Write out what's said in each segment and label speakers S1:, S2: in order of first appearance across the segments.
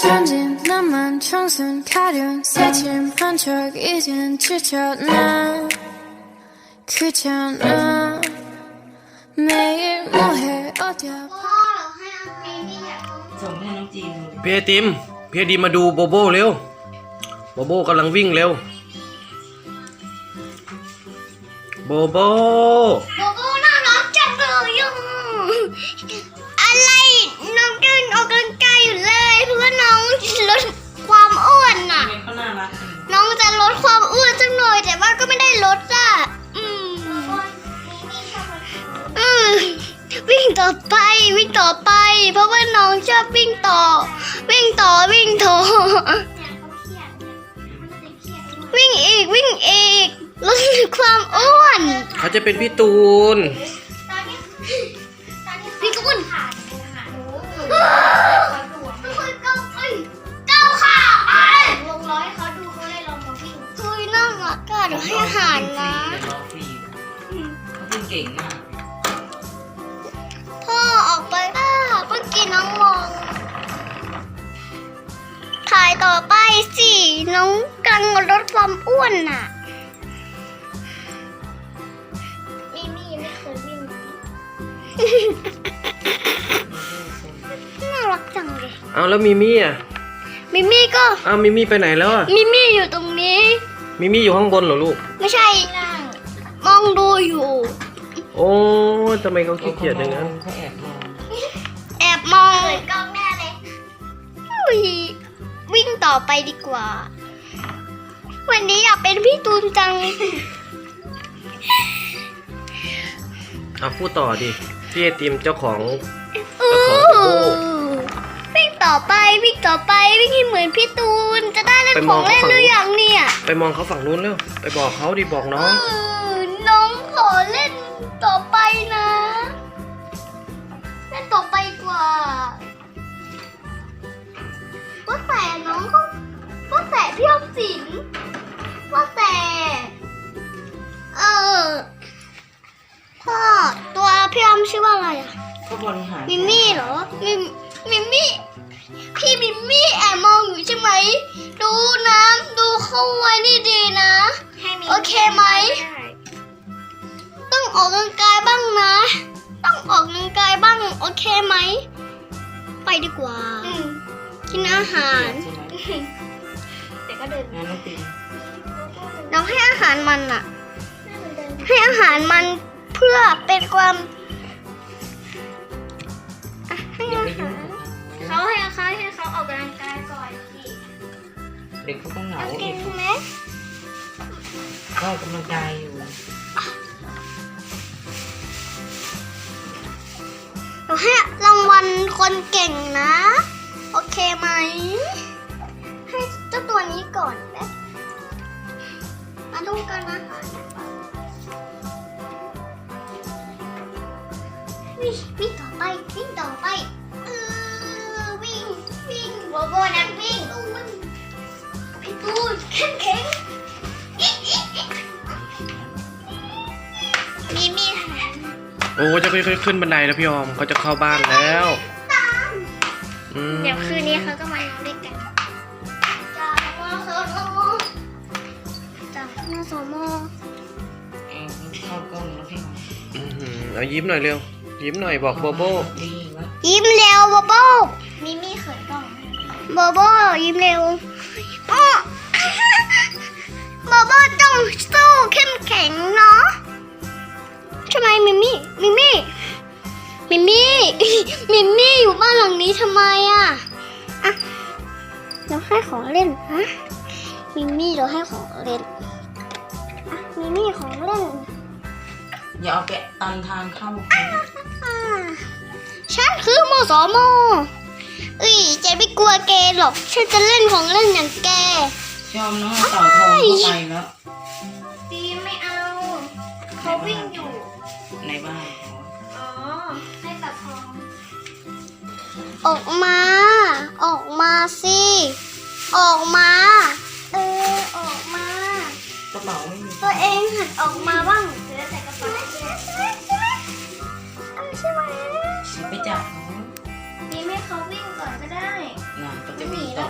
S1: 천진 너만 청순 가련 새침 한척 이젠 지쳤나 그잖아 매일 뭐해 어디야
S2: ส่งให้น้องจีนดู
S3: พี่ไอติมมาดูโบโบเร็วโบโบกำลังวิ่งเร็วโบโบ
S4: โบโบน่ารักจังเลยอ่ะอะไรน้องกำลังออกกำลังกายอยู่เลยเพราะว่าน้องลดความอ้วนน่ะ
S2: ทำไมเขาน่ารักจัง
S4: น้องจะลดความอ้วนสักหน่อยแต่ว่าก็ไม่ได้ลดอ่ะวิ่งต่อไปวิ่งต่อไป เพราะว่าน้องชอบวิ่งต่อวิ่งต่อวิ่งอีกลดความอ้วน
S3: เขาจะเป็นพี่ตูน
S4: พี่กุนก้าวขาลงร้อยเขาดูเขาเลยลองมาวิ่งคุยน่ารักอะเดี๋ยวให้อาหารนะ
S2: เดี๋ยวรอฟรีเขาเป็นเก่งมาก
S4: พ่อออกไปเมื่อกี้น้องมองถ่ายต่อไปสิน้องกำลังลดความอ้วนน่ะมี่ไม่เคยวิ่งน่ารักจังเลย
S3: เอาแล้วมิมี่อ่ะ
S4: มิมี่ก็
S3: เอามิมี่ไปไหนแล้วอ่ะ
S4: มิมี่อยู่ตรงนี้
S3: มิมี่อยู่ข้างบนเหรอลูก
S4: ไม่ใช่มองดูอยู่
S3: โอ้ทำไมเขาขี้เกียจอย่างนั้น
S2: เขาแอบมอง
S4: แอบมองเลยกล้องแน่เลยวิ่งต่อไปดีกว่า วันนี้อยากเป็นพี่ตูนจัง
S3: เอาพูดต่อดิพี่ไอติมเจ้าของ
S4: อู้
S3: เจ้าของโบโบ
S4: วิ่งต่อไปวิ่งให้เหมือนพี่ตูนจะได้เล่นของเล่นหรือยังเนี่ย
S3: ไปมองเขาฝั่งนู้นเร็วไปบอกเขาดิบอกน้อง
S4: น้องขอเล่นต่อไปนะเล่นต่อไปกว่าว่าแต่น้องก็ว่าแต่พี่ออมสินว่าแต่พ่อตัวพี่ออมชื่อว่าอะไรอะ
S2: เขาบริหาร
S4: มิมี่เหรอมิมี่พี่มิมี่แอบมองอยู่ใช่ไหมดูน้ำดูเข้าไว้ดีๆนะโอเคไหมต้องออกกำลังกายบ้างนะต้องออกกำลังกายบ้างโอเคไหมไปดีกว่ากินอาหาร
S2: ใช่ไหม
S4: แต่ก็เดิน
S2: งานน้องจีน
S4: เราให้อาหารมันอะให้อาหารมันเพื่อเป็นความให้
S2: อย่า
S4: อา
S2: ไปยุ่
S4: หาง ร
S2: กับเขา
S4: เขาให้เขาออกกำลังกายก่อนสิ
S2: เด็กเขาก็เหงา
S4: กินไหม
S2: ก็กำลังกายอยู่
S4: เราให้รางวัลคนเก่งนะ โอเคไหมให้เจ้าตัวนี้ก่อนนะมาดูกันนะคะวิ่งต่อไปวิ่งโบโบนักวิ่งพี่ตูนเข้มแข็งมีค่ะ
S3: โอ้จะค่อยๆขึ้นบันไดแล้วพี่ออมเขาจะเข้าบ้านแล้วอืม
S4: เดี๋ยวคืนนี้เขาก็มานอนด้วยกันจากมอสม
S2: เองเข้ากล้องแล้วพี่หอม
S3: อื้อหือเอายิ้มหน่อยเร็วยิ้มหน่อยบอกโบโบ
S2: ดีวะ
S4: ยิ้มเร็วโบโบมิมี่เขินกล้องโบโบยิ้มเร็วโบโบต้องสู้เข้มแข็งเนาะใช่ไหมมิมี่อยู่บ้านหลังนี้ทำไมอะเราให้ของเล่นฮะมิมี่เราให้ของเล่นมิมี่ของเล่น
S2: อย่าเอาแกะตันทางเข้าเขา
S4: ฉันคือมสมเจ๊ไม่กลัวแกหรอกฉันจะเล่นของเล่นอย่างแก
S2: ยอมน้องเอาเต่าทองเข้าไปแล้ว
S4: ดีไม่เอาเขาวิ่งอยู่
S2: ในบ้าน
S4: อ๋อให้ตัดทองออกมาสิออกมาออกมาก
S2: ระเป๋าไม่มี
S4: ตัวเองหัดออกมาบ้างเดี๋ยวใส่กระเป๋าใช่ไหม
S2: ไปจับเขา
S4: นี่ไม่เขาวิ่งก่อนก็ได้
S2: น่ะก็จะมีต่อ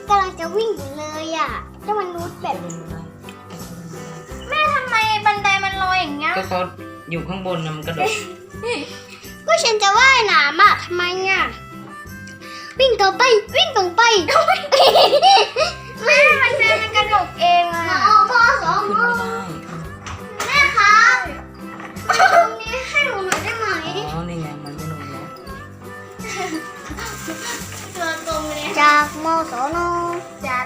S4: กำลังจะวิ่งอยู่เลยอ่ะเจ้ามนุษย์แบบ แม่ทำไมบันไดมันลอยอย่างเงี้ย
S2: ก็เขาอยู่ข้างบนนะมันกระโดด
S4: ก็ฉันจะว่ายน้ำอ่ะทำไมอ่ะวิ่งต่อไปวิ่งต่อไปแม่มันกระโดดเองอ่ะพ่อสอง
S2: ขึ้นไม่ได้
S4: แม่ครับตรงนี้ให้หนูหน่อยได้ไหม
S2: อ๋อนี่ไงมันไม่ลงแล้ว
S4: ตัวตรงเลยจากมสนจาก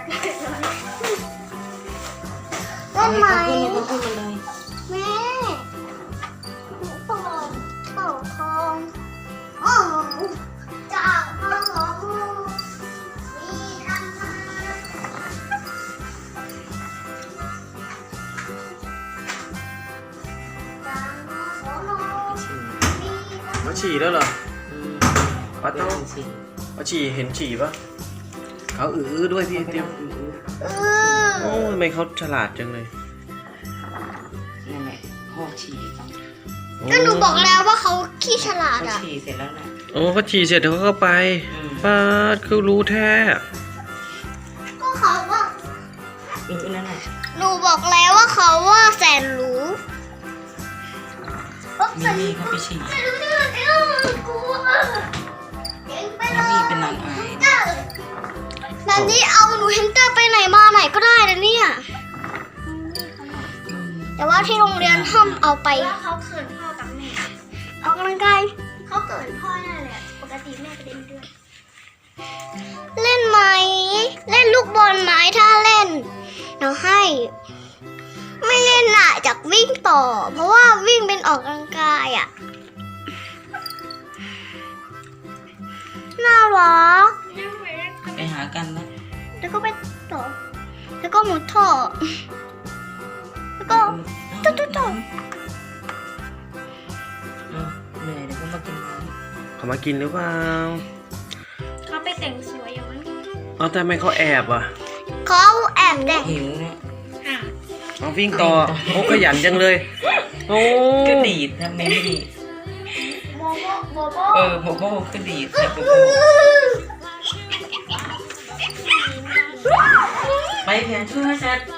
S4: ต้นไม้
S2: เขาขึ้นบันได
S4: แม่หนูเป่าทองอ๋อจากมสนมีทางมาจากมสนมีทาง
S3: มาฉี่แล้วเหรอป้า
S2: เดี๋ย
S3: โต้
S2: วสิ
S3: มาฉี่เห็นฉี่ปะเขาด้วยพี่เตี้ย
S4: เออ
S3: โอ้ทำไมเขาฉลาดจังเลย
S2: นั่นแหละพ่อฉี่
S4: ก็หนูบอกแล้วว่าเขาขี้ฉลาด
S2: เขา
S4: อ่ะ
S2: ฉี่เสร็จแล้วนะ
S3: โอ้เขาฉี่เสร็จเขาก็ไปป้าคือรู้แท้
S4: ก็เขาว่า
S2: นั่นแหละ
S4: หนูบอกแล้วว่าเขาว่าแสนรู้
S2: มีมี่เขาไปฉี่
S4: ไม่รู้ที่มันกลัวเก่งไปเล
S2: มี
S4: ย
S2: เป็นนางอาย
S4: แบบนี้เอาหนูเฮมสเตอร์ไปไหนมาไหนก็ได้นะเนี่ย แต่ว่าที่โรงเรียนห้ามเอาไปเขาเขินพ่อกับแม่ออกกำลังกายเขาเขินพ่อนั่นแหละปกติแม่ไปเล่นด้วย เล่นไหมเล่นลูกบอลไหมถ้าเล่นเดี๋ยวให้ ไม่เล่นน่ะจากวิ่งต่อ เพราะว่าวิ่งเป็นออกกำลังกายอ่ะน่ารัก
S2: ไปหากันนะ
S4: แล้วก็ไปต่อ แล้วก็หมุดท่อ แล้วก็ ตุ๊ด
S2: เหนื่อยเดี๋ยวเขามากินน้
S3: เขามากินหรือเปล่า
S4: เขาไปแต่งสวยอย่างนั้น
S3: เอาแต่ทำไมเขาแอบอ่ะ
S4: เขาแอบแต่ง
S2: ำหิวเนี่ย
S3: เอาวิ่งต่อโอ้ขยันจังเลย โอ้
S2: ก็ดีดทำไมไม่ดีด
S4: โบโบ
S2: โบโบก็ดีดแต่โบโบไปเพียนช่วยเสร็จ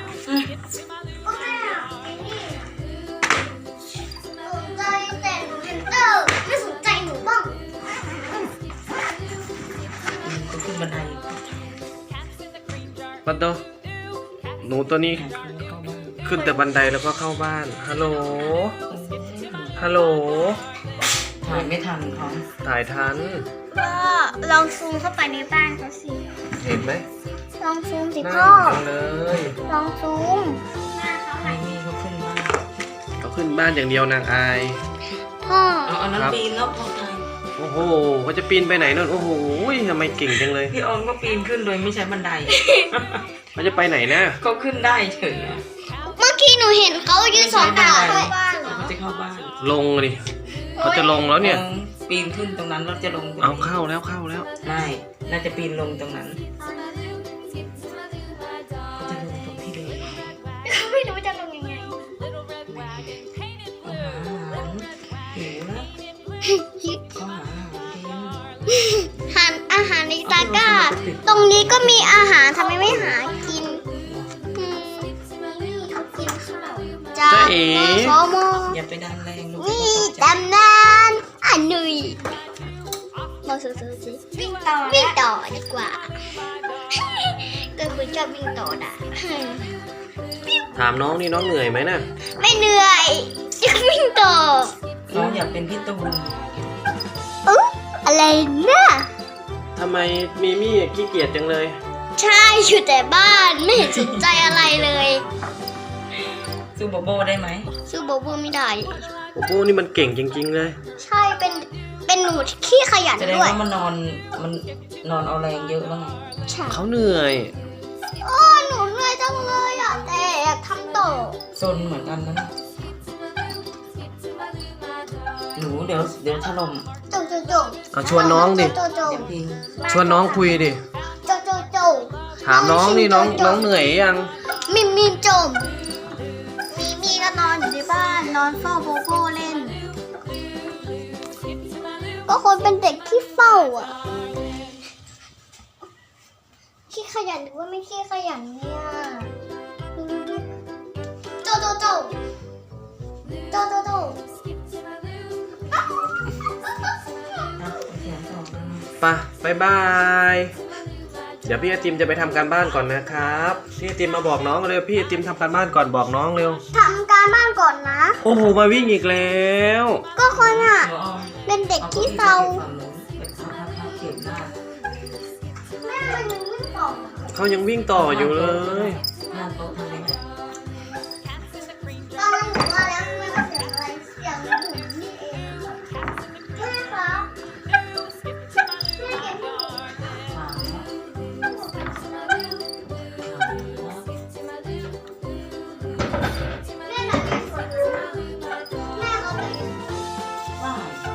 S4: สนใจแต่หนูเฮนเตอร์ไม่สนใจหนูบ้าง
S2: ก็ขึ้นบันได
S3: ป้าโตหนูตัวนี้
S2: เข้าบ้าน
S3: ขึ้นแต่บันไดแล้วก็เข้าบ้าน ฮัลโหล ฮัลโหล
S2: ถ่ายไม่ทันเขา
S3: ถ่ายทัน
S4: ก็ลองซูมเข้าไปในบ้านเขาสิ
S3: เห็นไหม
S4: ลองซูมสิ
S3: น่า
S4: พ่อ
S3: จังเลย
S4: ลองซูม
S2: ไอ้นี่เขาขึ้นบ้าน
S3: เขาขึ้นบ้านอย่างเดียวนางอาย
S4: พ่อ
S2: เอาอันนั้นปีนแล้วพอไทย
S3: โอ้โหเขาจะปีนไปไหนนั่น โอ้โหทำไมเก่งจังเลย
S2: พี่ออมก็ปีนขึ้นโดยไม่ใช้บันได
S3: เขาจะไปไหนนะ
S2: เขาขึ้นได้เฉยอะ
S4: เมื่อกี้หนูเห็นเขายืนสองขาด้วยบ้านเหรอ
S2: เขาจะเข้าบ้าน
S3: ลงดิเขาจะลงแล้วเนี่ย
S2: ปีนขึ้นตรงนั้นแล้วจะลงตรง
S3: เอา
S2: นี้
S3: เข้าแล้วเข้าแล้ว
S2: ไม่น่าจะปีนลงตรงนั้นเขาจะลงตรงที่เดิม
S4: ไม่รู้จะลงยังไง
S2: เอาหาอาหารหิวแล้วเขาหาอาหารกิน
S4: หันอาหารในตะกร้า ตรงนี้ก็มีอาหารทำไมไม่หากินเขากินข้าวจ้า
S3: จ๊ะเอ๋
S4: สม
S2: อย่าไปดันแรงลูก
S4: นี่ตำนานอันนุยมาสู้ๆสิวิ่งต่อดีกว่าก็คุณชอบวิ่งต่อนะ
S3: ถามน้องนี่น้องเหนื่อยไหมน่ะ
S4: ไม่เหนื่อยจะวิ่งต่อ
S2: น้องอยากเป็นพี่ตูน
S4: อะไรนะ
S3: ทำไมมีมี่ขี้เกียจจังเลย
S4: ใช่อยู่แต่บ้านไม่เห็นสนใจอะไรเลย
S2: สู้โบโบได้ไหม
S4: สู้โบโบไม่ได้
S3: โอ้โหนี่มันเก่งจริงๆเลย
S4: ใช่เป็นหนูที่ขี้ขยัน
S2: แสดง
S4: ด้วย
S2: ว่ามันนอนเอาแรงเยอะแล้วไง
S4: ใช่
S3: เขาเหนื่อย
S4: โอ้หนูเหนื่อยจังเลยอ่ะแต่อยากทำต่อ
S2: ซนเหมือนกันนะหนูเดี๋ยวถล่ม
S4: โจ
S3: เอาชวนน้องดิ
S4: โจ
S2: เดี๋ยวพิง
S3: ชวนน้องคุยดิ
S4: โจ
S3: ถามน้องนี่น้องเหนื่อยยัง
S4: มีจมมีก็นอนอยู่ในบ้านนอนเฝ้าโบโบเล่น ก็คนเป็นเด็กที่เฝ้าอ่ะขี้ขยันหรือว่าไม่ขี้ขยันเนี่ยโจโจโจโจโจโจ
S2: เขียนต่อไป
S3: ไปบ๊ายบาย เดี๋ยวพี่ไอติมจะไปทำการบ้านก่อนนะครับพี่ไอติมมาบอกน้องเร็วพี่ไอติมทำการบ้านก่อนบอกน้องเร็ว
S4: ทำการบ้านก่อนนะ
S3: โอ้โหมาวิ่งอีกแล้ว
S4: ก็คนอ่ะ
S2: เดี๋ยวเอา
S4: เป็นเด็กขี้เศร้า
S2: เก็บหน้า
S4: แม่มันยังไม่ตอบ
S3: เขายังวิ่งต่ออยู่เลย
S2: หน้าโต๊ะทำไม
S4: ตอนนั้นหนูว่าแล้วทำไมมันเสียงอะไรเสียงหนูนี่เองแม่คะแม่เก็บที่หนู
S2: ถามนะ
S4: แม่แบบนี้สวยมากแม่เขาแบบนี้
S2: ว่า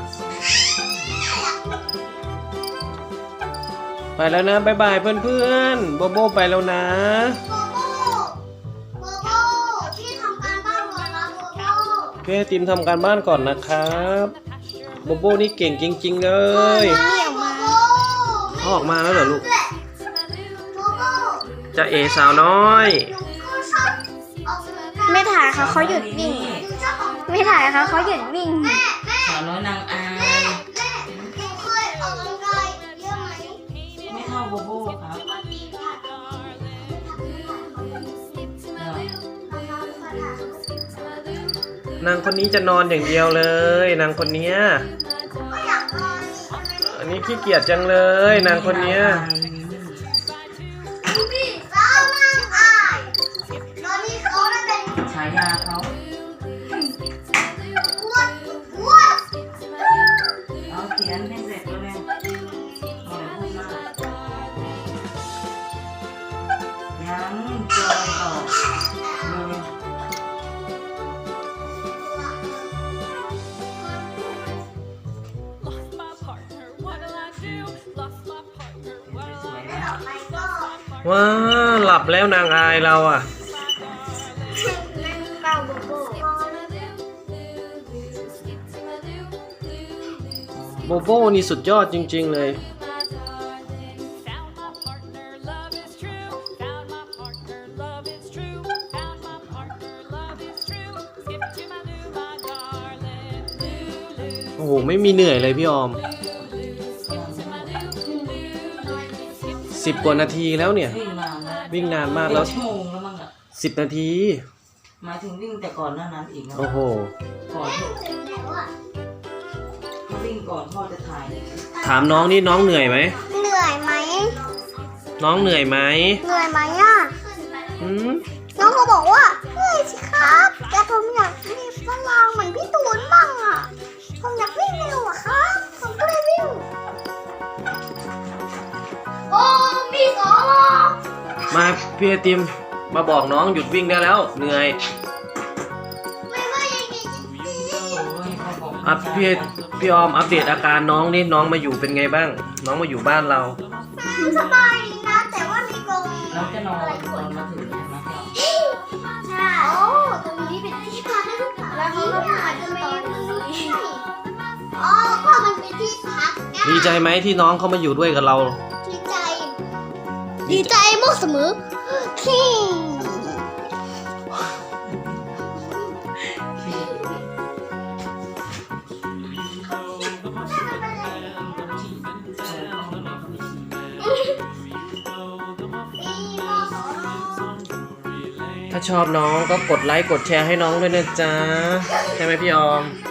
S3: ไปแล้วนะบ๊ายบายเพื่อนๆโบโบไปแล้วนะ
S4: โบโบโบโบพี่ทำการบ้านก่อนนะโบโบ
S3: พี่ไอติมทำการบ้านก่อนนะครับโบโบนี่เก่งจริงๆเลย
S4: เหนียวมา
S3: เขาออกมาแล้วเหรอลูก
S4: โบโบ
S3: จะเอสาวน้อย
S4: หนูก็ชอบออกกำลังกาย
S5: ไม่ถ่ายเขาหยุดวิ่ง
S4: หนูชอบออกกำลังกาย
S5: ไม่ถ่ายเขาหยุดวิ่ง
S4: แม่แม่
S2: สาวน้อยนางอาย
S4: แม่หนูเคยออกกำลังกายเยอะไหม
S2: ไม่เท่าโบโบครับ
S4: มาตีค่ะ
S3: นางคนนี้จะนอนอย่างเดียวเลยนางคนเนี้ย
S4: ก็อยากนอน
S3: อันนี้ขี้เกียจจังเลยนางคนเนี้ย
S4: พี่สาวนั่งอายตอนนี้เขาได้เป็น
S2: ฉายาเขา
S4: อ้วนอ้วน
S2: เอาเขียนให้เสร็จแล้วเนี่ยเอาอะไรพูดมากยังจอยต่อเลย
S6: Lost my partner, what'll I do? Lost my partner, what'll
S2: สวย
S6: I
S2: แล้ว
S4: ต่อไปก็
S3: ว้าหลับแล้วนางอายเราอ่ะ
S4: เก้าโบโบ
S3: โบโบนี่สุดยอดจริงๆเลย
S6: Found my partner, love is true. Found my partner, love is true. Found my partner, love is true. Skip to my loo, my darling. Lulu,
S3: โอ้โหไม่มีเหนื่อยเลยพี่ออม
S6: skip to my loo, Lulu.
S3: 10 กว่านาทีแล้วเนี่ย
S2: วิ่งนานนะ
S3: วิ่งนานมาก
S2: เป็
S3: แล้ว
S2: นชั่วโมงแล้วมั้งอ่ะ
S3: 10 นาที
S2: หมายถึงวิ่งแต่ก่อนหน้านั้นอีกนะ
S3: โอ้โห
S2: ก่อนที่
S4: ถึงแล้วอ่ะ
S2: ถ้าวิ่งก่อนพ่อจะถ่าย
S3: ถามน้องนี่น้องเหนื่อยไหม
S4: เหนื่อยไหม
S3: น้องเหนื่อยไหม
S4: เหนื่อยไหมอ่ะ
S3: อืม
S4: น้องก็บอกว่าเหนื่อยสิครับแต่ผมอยากมีพลังเหมือนพี่ตูนบ้างอ่ะผมอยากวิ่งเร็วอ่ะครับผมก็เลยวิ่งโอ้มีสอง
S3: มาพี่ไอติมมาบอกน้องหยุดวิ่งได้แล้วเหนื่อย
S4: ไม่ว่ายังไง
S2: โอ้ยเขาบอก
S3: อัพพี่ออมอัปเดตอาการน้องนี่น้องมาอยู่เป็นไงบ้าง น้องมาอยู่บ้านเรา
S4: สบายดีนะแต่ว่ามีกรง
S2: แล้วจะนอนตอนมาถึงใช่ไหมครับ
S4: ใช่โอ้ตรงนี้เป็นที่พักแล้วเขาก็อาจจะไม่อ๋อก็มันเป็นที่พัก
S3: ดีใจไหมที่น้องเขามาอยู่ด้วยกับเรา
S4: ดีใจ ดีใจมากเสมอคิง
S3: ถ้าชอบน้องก็กดไลค์กดแชร์ให้น้องด้วยนะจ๊ะ ใช่ไหมพี่ออม
S4: ใ